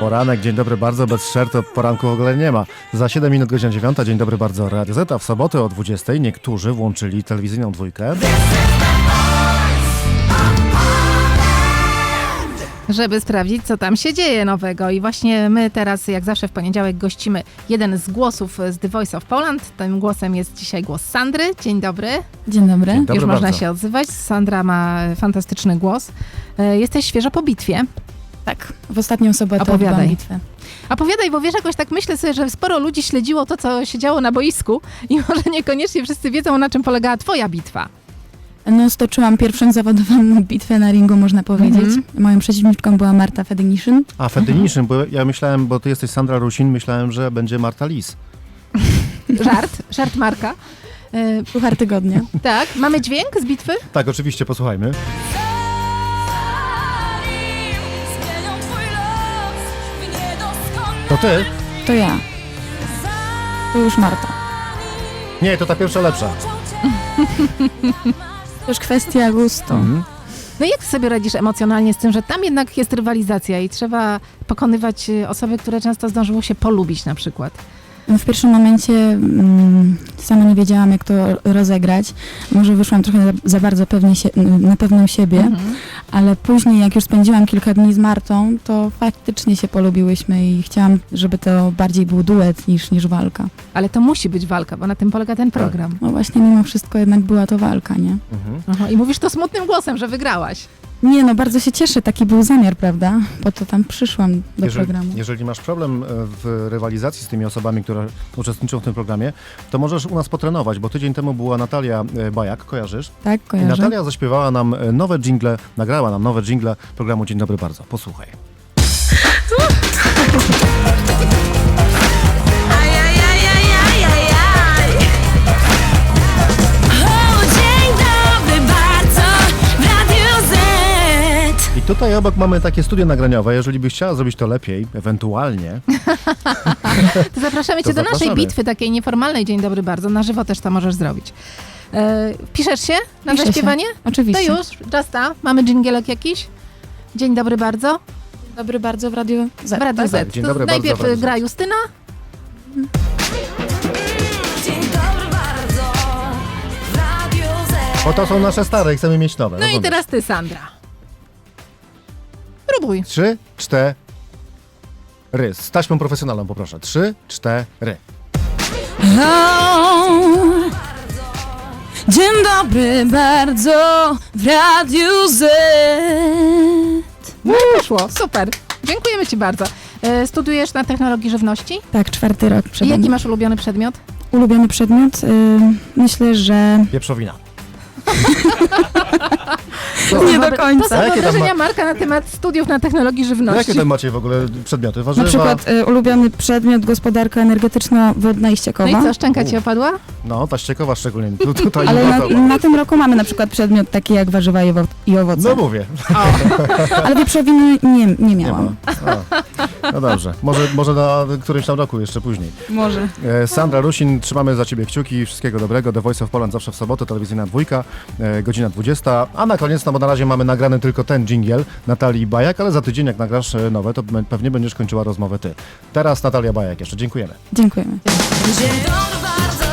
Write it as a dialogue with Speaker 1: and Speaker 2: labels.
Speaker 1: Poranek, dzień dobry bardzo, bez shirtu poranku w ogóle nie ma. Za 7 minut godzina 9, dzień dobry bardzo, Radio Z, a w sobotę o 20 niektórzy włączyli telewizyjną dwójkę.
Speaker 2: Żeby sprawdzić, co tam się dzieje nowego. I właśnie my teraz, jak zawsze w poniedziałek, gościmy jeden z głosów z The Voice of Poland. Tym głosem jest dzisiaj głos Sandry. Dzień dobry.
Speaker 3: Dzień dobry.
Speaker 1: Dzień dobry
Speaker 2: Już można
Speaker 1: bardzo.
Speaker 2: się odzywać. Sandra ma fantastyczny głos. Jesteś świeżo po bitwie.
Speaker 3: Tak, w ostatnią sobotę
Speaker 2: Opowiadaj.
Speaker 3: odbyłam bitwę.
Speaker 2: Opowiadaj, bo wiesz, jakoś tak myślę sobie, że sporo ludzi śledziło to, co się działo na boisku i może niekoniecznie wszyscy wiedzą, na czym polegała twoja bitwa.
Speaker 3: No, stoczyłam pierwszą zawodową bitwę na ringu, można powiedzieć. Moją przeciwniczką była Marta Fedynishyn.
Speaker 1: A Fedynishyn, bo ja myślałem, bo ty jesteś Sandra Rusin, myślałem, że będzie Marta Lis.
Speaker 2: Żart Marka.
Speaker 3: Puchar tygodnia.
Speaker 2: Tak, mamy dźwięk z bitwy?
Speaker 1: Tak, oczywiście, posłuchajmy. To ty?
Speaker 3: To ja. To już Marta.
Speaker 1: Nie, to ta pierwsza lepsza.
Speaker 3: To już kwestia gustu.
Speaker 2: No i jak sobie radzisz emocjonalnie z tym, że tam jednak jest rywalizacja i trzeba pokonywać osoby, które często zdążyło się polubić na przykład?
Speaker 3: W pierwszym momencie sama nie wiedziałam, jak to rozegrać. Może wyszłam trochę za bardzo na pewną siebie, ale później, jak już spędziłam kilka dni z Martą, to faktycznie się polubiłyśmy i chciałam, żeby to bardziej był duet niż walka.
Speaker 2: Ale to musi być walka, bo na tym polega ten program.
Speaker 3: No właśnie, mimo wszystko jednak była to walka, nie?
Speaker 2: Aha, i mówisz to smutnym głosem, że wygrałaś.
Speaker 3: Nie, no bardzo się cieszę, taki był zamiar, prawda? Po to tam przyszłam do programu.
Speaker 1: Jeżeli masz problem w rywalizacji z tymi osobami, które uczestniczą w tym programie, to możesz u nas potrenować, bo tydzień temu była Natalia Bajak, kojarzysz?
Speaker 3: Tak,
Speaker 1: I
Speaker 3: kojarzę.
Speaker 1: Natalia zaśpiewała nam nowe dżingle, nagrała nam nowe dżingle programu Dzień dobry bardzo. Posłuchaj. I tutaj obok mamy takie studio nagraniowe, jeżeli byś chciała zrobić to lepiej, ewentualnie.
Speaker 2: To zapraszamy
Speaker 1: To
Speaker 2: cię do naszej
Speaker 1: zapraszamy.
Speaker 2: bitwy, takiej nieformalnej. Dzień dobry bardzo. Na żywo też to możesz zrobić. Piszesz się na
Speaker 3: Piszę
Speaker 2: zaśpiewanie?
Speaker 3: się. Oczywiście.
Speaker 2: To już, Justa, mamy dżingielek jakiś? Dzień dobry bardzo.
Speaker 3: Dobry bardzo w Radiu Z.
Speaker 2: W Radiu
Speaker 1: tak,
Speaker 2: Z.
Speaker 1: dzień
Speaker 2: To
Speaker 1: dobry bardzo
Speaker 2: najpierw
Speaker 1: w Radiu Z.
Speaker 2: gra Justyna.
Speaker 4: Dzień dobry bardzo w Radiu Z.
Speaker 1: Bo to są nasze stare i chcemy mieć nowe.
Speaker 2: No i
Speaker 1: rozumiesz?
Speaker 2: teraz ty, Sandra. Próbuj.
Speaker 1: 3, 4. Z taśmą profesjonalną poproszę. 3, 4.
Speaker 3: Dzień dobry bardzo w Radiu Z.
Speaker 2: No i poszło, super. Dziękujemy ci bardzo. Studiujesz na technologii żywności?
Speaker 3: Tak, 4. rok
Speaker 2: I
Speaker 3: przed
Speaker 2: jaki
Speaker 3: nami.
Speaker 2: masz ulubiony przedmiot?
Speaker 3: Ulubiony przedmiot? Myślę, że...
Speaker 1: Wieprzowina.
Speaker 3: Nie do końca.
Speaker 2: To są
Speaker 1: A jakie tam
Speaker 2: wyobrażenia Marka na temat studiów na technologii
Speaker 1: No
Speaker 2: żywności.
Speaker 1: jakie tam macie w ogóle przedmioty? Warzywa?
Speaker 3: Na przykład ulubiony przedmiot gospodarka energetyczno-wodna i ściekowa.
Speaker 2: No i co, szczęka ci opadła?
Speaker 1: No, ta ściekowa szczególnie. Tutaj
Speaker 3: Ale
Speaker 1: nie
Speaker 3: na tym roku mamy na przykład przedmiot taki jak warzywa i owoce.
Speaker 1: No mówię.
Speaker 3: Ale wieprzowiny nie
Speaker 1: Nie ma.
Speaker 3: miałam.
Speaker 1: No dobrze. Może na którymś tam roku, jeszcze później.
Speaker 3: Może.
Speaker 1: Sandra Rusin, trzymamy za ciebie kciuki. Wszystkiego dobrego. The Voice of Poland zawsze w sobotę, telewizyjna dwójka, godzina 20. A na koniec, no bo na razie mamy nagrany tylko ten dżingiel Natalii Bajak, ale za tydzień jak nagrasz nowe, to pewnie będziesz kończyła rozmowę ty. Teraz Natalia Bajak jeszcze. Dziękujemy.
Speaker 3: Dziękujemy.
Speaker 4: Dzień dobry bardzo